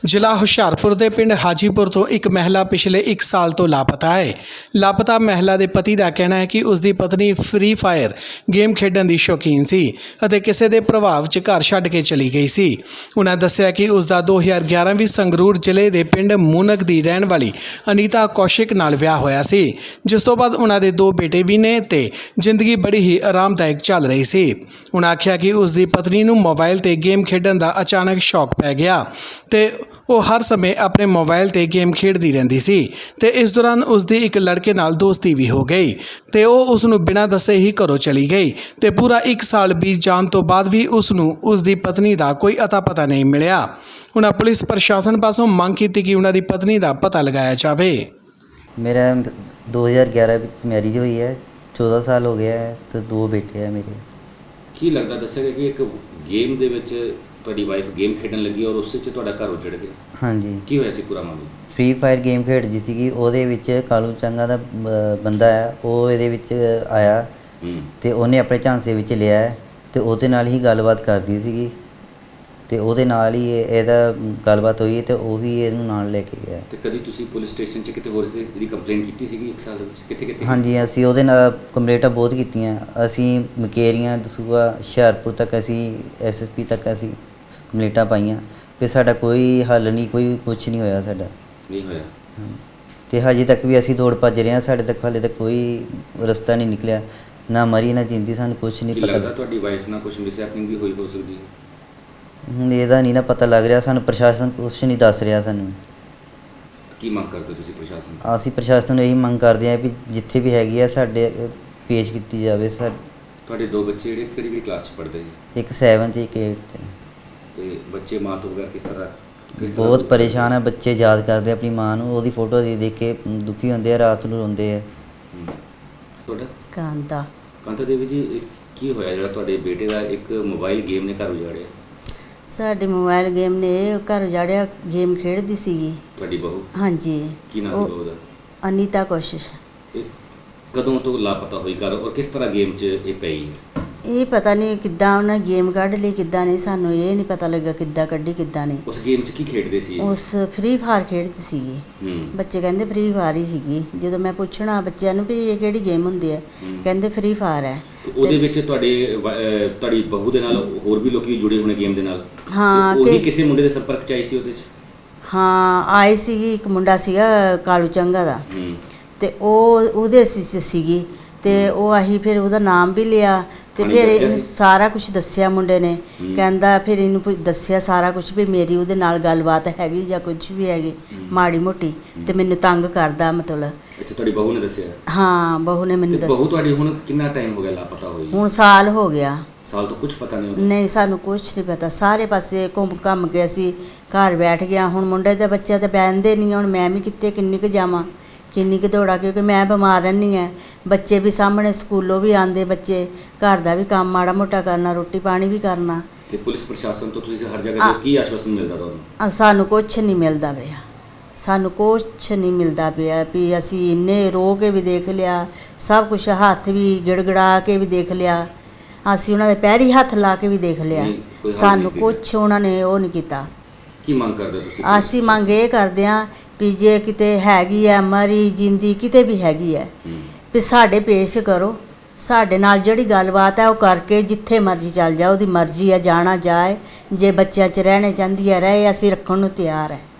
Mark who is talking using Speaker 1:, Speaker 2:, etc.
Speaker 1: ਜ਼ਿਲ੍ਹਾ ਹੁਸ਼ਿਆਰਪੁਰ ਦੇ ਪਿੰਡ ਹਾਜੀਪੁਰ ਤੋਂ ਇੱਕ ਮਹਿਲਾ ਪਿਛਲੇ 1 ਸਾਲ ਤੋਂ ਲਾਪਤਾ ਹੈ। ਲਾਪਤਾ ਮਹਿਲਾ ਦੇ ਪਤੀ ਦਾ ਕਹਿਣਾ ਹੈ ਕਿ ਉਸ ਦੀ ਪਤਨੀ ਫ੍ਰੀ ਫਾਇਰ ਗੇਮ ਖੇਡਣ ਦੀ ਸ਼ੌਕੀਨ ਸੀ ਅਤੇ ਕਿਸੇ ਦੇ ਪ੍ਰਭਾਵ 'ਚ ਘਰ ਛੱਡ ਕੇ ਚਲੀ ਗਈ ਸੀ। ਉਹਨਾਂ ਦੱਸਿਆ ਕਿ ਉਸ ਦਾ 2011 ਵਿੱਚ ਸੰਗਰੂਰ ਜ਼ਿਲ੍ਹੇ ਦੇ ਪਿੰਡ ਮੂਨਕ ਦੀ ਰਹਿਣ ਵਾਲੀ ਅਨੀਤਾ ਕੌਸ਼ਿਕ ਨਾਲ ਵਿਆਹ ਹੋਇਆ ਸੀ, ਜਿਸ ਤੋਂ ਬਾਅਦ ਉਹਨਾਂ ਦੇ 2 ਬੇਟੇ ਵੀ ਨੇ ਤੇ ਜ਼ਿੰਦਗੀ ਬੜੀ ਹੀ ਆਰਾਮਦਾਇਕ ਚੱਲ ਰਹੀ ਸੀ। ਉਹਨਾਂ ਆਖਿਆ ਕਿ ਉਸ ਦੀ ਪਤਨੀ ਨੂੰ ਮੋਬਾਈਲ ਤੇ ਗੇਮ ਖੇਡਣ ਦਾ ਅਚਾਨਕ ਸ਼ੌਕ ਪੈ ਗਿਆ ਤੇ ਉਹ ਹਰ ਸਮੇਂ ਆਪਣੇ ਮੋਬਾਈਲ ਤੇ ਗੇਮ ਖੇਡਦੀ ਰਹਿੰਦੀ ਸੀ ਤੇ ਇਸ ਦੌਰਾਨ ਉਸ ਦੀ ਇੱਕ ਲੜਕੇ ਨਾਲ ਦੋਸਤੀ ਵੀ ਹੋ ਗਈ ਤੇ ਉਹ ਉਸ ਨੂੰ ਬਿਨਾਂ ਦੱਸੇ ਹੀ ਘਰੋਂ ਚਲੀ ਗਈ ਤੇ ਪੂਰਾ 1 ਸਾਲ ਬੀਤ ਜਾਣ ਤੋਂ ਬਾਅਦ ਵੀ ਉਸ ਨੂੰ ਉਸ ਦੀ ਪਤਨੀ ਦਾ ਕੋਈ ਅਤਾ ਪਤਾ ਨਹੀਂ ਮਿਲਿਆ। ਉਹਨਾਂ ਪੁਲਿਸ ਪ੍ਰਸ਼ਾਸਨ ਪਾਸੋਂ ਮੰਗ ਕੀਤੀ ਕਿ ਉਹਨਾਂ ਦੀ ਪਤਨੀ ਦਾ ਪਤਾ ਲਗਾਇਆ ਜਾਵੇ।
Speaker 2: मेरा 2011 ਵਿੱਚ ਮੈਰਿਜ ਹੋਈ ਹੈ, 14 ਸਾਲ ਹੋ ਗਿਆ ਹੈ ਤੇ 2 ਬੇਟੇ ਹੈ ਮੇਰੇ।
Speaker 3: ਕੀ ਲੱਗਦਾ ਦੱਸਿਆ ਕਿ ਇੱਕ ਗੇਮ ਦੇ ਵਿੱਚ ਤੁਹਾਡੀ ਵਾਈਫ ਗੇਮ ਖੇਡਣ ਲੱਗੀ ਔਰ ਉਸੇ 'ਚ ਤੁਹਾਡਾ ਘਰ ਉਜੜ ਗਿਆ?
Speaker 2: ਹਾਂਜੀ,
Speaker 3: ਕੀ ਹੋਇਆ ਸੀ ਪੂਰਾ ਮਾਮਲਾ?
Speaker 2: ਫ੍ਰੀ ਫਾਇਰ ਗੇਮ ਖੇਡਦੀ ਸੀਗੀ, ਉਹਦੇ ਵਿੱਚ ਕਾਲੂ ਚੰਗਾ ਦਾ ਬੰਦਾ ਹੈ, ਉਹ ਇਹਦੇ ਵਿੱਚ ਆਇਆ ਤੇ ਉਹਨੇ ਆਪਣੇ ਝਾਂਸੇ ਵਿੱਚ ਲਿਆ ਹੈ ਤੇ ਉਹਦੇ ਨਾਲ ਹੀ ਗੱਲਬਾਤ ਕਰਦੀ ਸੀਗੀ ਤੇ ਉਹਦੇ ਨਾਲ ਹੀ ਇਹਦਾ ਗੱਲਬਾਤ ਹੋਈ ਤੇ ਉਹ ਵੀ ਇਹਨੂੰ ਨਾਲ ਲੈ ਕੇ ਗਿਆ।
Speaker 3: ਤੇ ਕਦੀ ਤੁਸੀਂ ਪੁਲਿਸ ਸਟੇਸ਼ਨ 'ਚ ਕਿਤੇ ਹੋਰ ਸੀ ਇਹਦੀ ਕੰਪਲੇਂਟ ਕੀਤੀ ਸੀਗੀ 1 ਸਾਲ ਦੇ ਵਿੱਚ? ਕਿੱਥੇ?
Speaker 2: ਹਾਂਜੀ, ਅਸੀਂ ਉਹਦੇ ਨਾਲ ਕੰਪਲੇਂਟਾਂ ਬਹੁਤ ਕੀਤੀਆਂ। ਅਸੀਂ ਮਕੇਰੀਆਂ, ਦਸੂਆ, ਹੁਸ਼ਿਆਰਪੁਰ ਤੱਕ ਅਸੀਂ SSP ਤੱਕ ਅਸੀਂ ਕੰਪਲੇਂਟਾਂ ਪਾਈਆਂ ਫਿਰ ਸਾਡਾ ਕੋਈ ਹੱਲ ਨਹੀਂ, ਕੋਈ ਕੁਛ ਨਹੀਂ ਹੋਇਆ ਸਾਡਾ।
Speaker 3: ਨਹੀਂ ਹੋਇਆ?
Speaker 2: ਤੇ ਹਜੇ ਤੱਕ ਵੀ ਅਸੀਂ ਦੌੜ ਭੱਜ ਰਹੇ ਹਾਂ, ਸਾਡੇ ਤੱਕ ਹਾਲੇ ਤੱਕ ਕੋਈ ਰਸਤਾ ਨਹੀਂ ਨਿਕਲਿਆ, ਨਾ ਮਰੀ ਨਾ ਜਿੰਦੀ, ਸਾਨੂੰ ਕੁਛ ਨਹੀਂ ਪਤਾ।
Speaker 3: ਲੱਗਦਾ ਤੁਹਾਡੀ ਵਾਈਫ ਨਾਲ ਕੁਝ ਮਿਸਹੈਪਨਿੰਗ ਵੀ ਹੋਈ ਹੋ ਸਕਦੀ ਹੈ?
Speaker 2: ਹੁਣ ਇਹਦਾ ਨਹੀਂ ਨਾ ਪਤਾ ਲੱਗ ਰਿਹਾ, ਸਾਨੂੰ ਪ੍ਰਸ਼ਾਸਨ ਕੁਛ ਨਹੀਂ ਦੱਸ ਰਿਹਾ ਸਾਨੂੰ।
Speaker 3: ਕੀ ਮੰਗ ਕਰਦੇ ਤੁਸੀਂ ਪ੍ਰਸ਼ਾਸਨ ਤੋਂ?
Speaker 2: ਅਸੀਂ ਪ੍ਰਸ਼ਾਸਨ ਨੂੰ ਇਹੀ ਮੰਗ ਕਰਦੇ ਹਾਂ ਵੀ ਜਿੱਥੇ ਵੀ ਹੈਗੀ ਆ ਸਾਡੇ ਪੇਸ਼ ਕੀਤੀ ਜਾਵੇ।
Speaker 3: ਤੁਹਾਡੇ 2 ਬੱਚੇ ਜਿਹੜੇ ਕਿਹੜੀ ਕਲਾਸ 'ਚ ਪੜ੍ਹਦੇ ਜੀ?
Speaker 2: ਇੱਕ 7 ਤੇ ਇੱਕ 8 ਤੇ।
Speaker 3: ਤੇ ਬੱਚੇ ਮਾਂ ਤੋਂ ਬਗੈਰ ਕਿਸ ਤਰ੍ਹਾਂ
Speaker 2: ਬਹੁਤ ਪਰੇਸ਼ਾਨ ਹੈ ਬੱਚੇ, ਯਾਦ ਕਰਦੇ ਆਪਣੀ ਮਾਂ ਨੂੰ, ਉਹਦੀ ਫੋਟੋ ਦੇਖ ਕੇ ਦੁਖੀ ਹੁੰਦੇ ਆ, ਰਾਤ ਨੂੰ ਰੋਂਦੇ ਆ।
Speaker 3: ਤੁਹਾਡਾ
Speaker 4: ਕਾਂਤਾ
Speaker 3: ਦੇਵੀ ਜੀ, ਕੀ ਹੋਇਆ ਜਿਹੜਾ ਤੁਹਾਡੇ ਬੇਟੇ ਦਾ ਇੱਕ ਮੋਬਾਈਲ ਗੇਮ ਨੇ ਘਰ ਉਜਾੜਿਆ?
Speaker 4: ਸਾਡੇ ਮੋਬਾਈਲ ਗੇਮ ਨੇ ਘਰ ਉਜਾੜਿਆ। ਗੇਮ ਖੇਡਦੀ ਸੀਗੀ
Speaker 3: ਤੁਹਾਡੀ ਬਹੂ?
Speaker 4: ਹਾਂਜੀ।
Speaker 3: ਕੀ ਨਾਮ ਸੀ ਬਹੂ ਦਾ?
Speaker 4: ਅਨੀਤਾ ਕੋਸ਼ਿਸ਼।
Speaker 3: ਇਹ ਕਦੋਂ ਤੋਂ ਲਾਪਤਾ ਹੋਈ ਘਰ ਔਰ ਕਿਸ ਤਰ੍ਹਾਂ ਗੇਮ 'ਚ ਇਹ ਪਈ ਹੈ?
Speaker 4: ਇਹ ਪਤਾ ਨਹੀਂ ਕਿੱਦਾਂ ਉਹਨਾਂ ਗੇਮ ਕੱਢ ਲਈ, ਕਿੱਦਾਂ ਨਹੀਂ, ਸਾਨੂੰ ਇਹ ਨਹੀਂ ਪਤਾ ਲੱਗਾ ਕਿੱਦਾਂ ਕੱਢੀ ਕਿੱਦਾਂ ਨਹੀਂ।
Speaker 3: ਉਸ ਗੇਮ 'ਚ ਕੀ ਖੇਡਦੇ ਸੀ?
Speaker 4: ਉਸ ਫ੍ਰੀ ਫਾਇਰ ਖੇਡਦੀ ਸੀਗੀ। ਬੱਚੇ ਕਹਿੰਦੇ ਫ੍ਰੀ ਫਾਇਰ ਹੀ ਸੀਗੀ। ਜਦੋਂ ਮੈਂ ਪੁੱਛਣਾ ਬੱਚਿਆਂ ਨੂੰ ਵੀ ਇਹ ਕਿਹੜੀ ਗੇਮ ਹੁੰਦੀ ਹੈ, ਕਹਿੰਦੇ ਫ੍ਰੀ ਫਾਇਰ ਹੈ।
Speaker 3: ਉਹਦੇ ਵਿੱਚ ਤੁਹਾਡੀ ਬਹੂ ਦੇ ਨਾਲ ਹੋਰ ਵੀ ਲੋਕੀ ਜੁੜੇ ਹੋਣੇ ਗੇਮ ਦੇ ਨਾਲ?
Speaker 4: ਹਾਂ।
Speaker 3: ਉਹ ਕਿਸੇ ਮੁੰਡੇ ਦੇ ਸੰਪਰਕ 'ਚ ਆਈ ਸੀ ਉਹਦੇ 'ਚ?
Speaker 4: ਹਾਂ, ਆਈ ਸੀਗੀ। ਇੱਕ ਮੁੰਡਾ ਸੀਗਾ ਕਾਲੂ ਚੰਗਾ ਦਾ ਤੇ ਉਹਦੇ ਸੀਗੀ ਤੇ ਉਹ ਆਹੀ ਫਿਰ ਉਹਦਾ ਨਾਮ ਵੀ ਲਿਆ ਤੇ ਫਿਰ ਇਹਨੂੰ ਸਾਰਾ ਕੁਝ ਦੱਸਿਆ ਮੁੰਡੇ ਨੇ। ਕਹਿੰਦਾ ਫਿਰ ਇਹਨੂੰ ਦੱਸਿਆ ਸਾਰਾ ਕੁਝ ਵੀ ਮੇਰੀ ਉਹਦੇ ਨਾਲ ਗੱਲਬਾਤ ਹੈਗੀ ਜਾਂ ਕੁਝ ਵੀ ਹੈਗੀ ਮਾੜੀ ਮੋਟੀ ਤੇ ਮੈਨੂੰ ਤੰਗ ਕਰਦਾ ਮਤਲਬ।
Speaker 3: ਅੱਛਾ, ਤੁਹਾਡੀ ਬਹੂ ਨੇ ਦੱਸਿਆ?
Speaker 4: ਹਾਂ, ਬਹੂ ਨੇ ਮੈਨੂੰ ਦੱਸਿਆ।
Speaker 3: ਬਹੂ ਤੁਹਾਡੀ ਹੁਣ ਕਿੰਨਾ ਟਾਈਮ ਹੋ ਗਿਆ ਲਾਪਤਾ ਹੋਈ?
Speaker 4: ਹੁਣ ਸਾਲ ਹੋ ਗਿਆ।
Speaker 3: ਸਾਲ ਤੋਂ ਕੁਝ ਪਤਾ ਨਹੀਂ?
Speaker 4: ਨਹੀਂ, ਸਾਨੂੰ ਕੁਝ ਨਹੀਂ ਪਤਾ। ਸਾਰੇ ਪਾਸੇ ਘੁੰਮ ਕੇ ਅਸੀਂ ਘਰ ਬੈਠ ਗਿਆ। ਹੁਣ ਮੁੰਡੇ ਦੇ ਬੱਚੇ ਤਾਂ ਬਹਿੰਦੇ ਨਹੀਂ, ਹੁਣ ਮੈਂ ਵੀ ਕਿੰਨੀ ਕੁ ਜਾਵਾਂ, ਕਿੰਨੀ ਕੁ ਦੌੜਾਂ, ਕਿਉਂਕਿ ਮੈਂ ਬਿਮਾਰ ਰਹਿੰਦੀ ਹਾਂ। ਬੱਚੇ ਵੀ ਸਾਹਮਣੇ ਸਕੂਲੋਂ ਵੀ ਆਉਂਦੇ ਬੱਚੇ, ਘਰ ਦਾ ਵੀ ਕੰਮ ਮਾੜਾ ਮੋਟਾ ਕਰਨਾ, ਰੋਟੀ ਪਾਣੀ ਵੀ ਕਰਨਾ।
Speaker 3: ਤੇ ਪੁਲਿਸ ਪ੍ਰਸ਼ਾਸਨ ਤੋਂ ਤੁਸੀਂ ਹਰ ਜਗ੍ਹਾ ਕੀ ਆਸ਼ਵਾਸਨ ਮਿਲਦਾ ਤੁਹਾਨੂੰ?
Speaker 4: ਸਾਨੂੰ ਕੁਛ ਨਹੀਂ ਮਿਲਦਾ ਪਿਆ, ਸਾਨੂੰ ਕੁਛ ਨਹੀਂ ਮਿਲਦਾ ਪਿਆ ਵੀ ਅਸੀਂ ਇੰਨੇ ਰੋ ਕੇ ਵੀ ਦੇਖ ਲਿਆ, ਸਭ ਕੁਛ ਹੱਥ ਵੀ ਗਿੜਗੜਾ ਕੇ ਵੀ ਦੇਖ ਲਿਆ, ਅਸੀਂ ਉਹਨਾਂ ਦੇ ਪੈਰੀ ਹੱਥ ਲਾ ਕੇ ਵੀ ਦੇਖ ਲਿਆ, ਸਾਨੂੰ ਕੁਛ ਉਹਨਾਂ ਨੇ ਉਹ ਨਹੀਂ ਕੀਤਾ।
Speaker 3: ਕੀ ਮੰਗ ਕਰਦੇ ਤੁਸੀਂ?
Speaker 4: ਅਸੀਂ ਮੰਗ ਇਹ ਕਰਦੇ ਹਾਂ ਵੀ ਜੇ ਕਿਤੇ ਹੈਗੀ ਹੈ ਮਰੀ ਜਿੰਦੀ ਕਿਤੇ ਵੀ ਹੈਗੀ ਹੈ ਵੀ ਸਾਡੇ ਪੇਸ਼ ਕਰੋ, ਸਾਡੇ ਨਾਲ ਜਿਹੜੀ ਗੱਲਬਾਤ ਹੈ ਉਹ ਕਰਕੇ ਜਿੱਥੇ ਮਰਜ਼ੀ ਚੱਲ ਜਾ, ਉਹਦੀ ਮਰਜ਼ੀ ਹੈ, ਜਾਣਾ ਜਾਏ, ਜੇ ਬੱਚਿਆਂ 'ਚ ਰਹਿਣੇ ਚਾਹੁੰਦੀ ਹੈ ਰਹੇ, ਅਸੀਂ ਰੱਖਣ ਨੂੰ ਤਿਆਰ ਹੈ।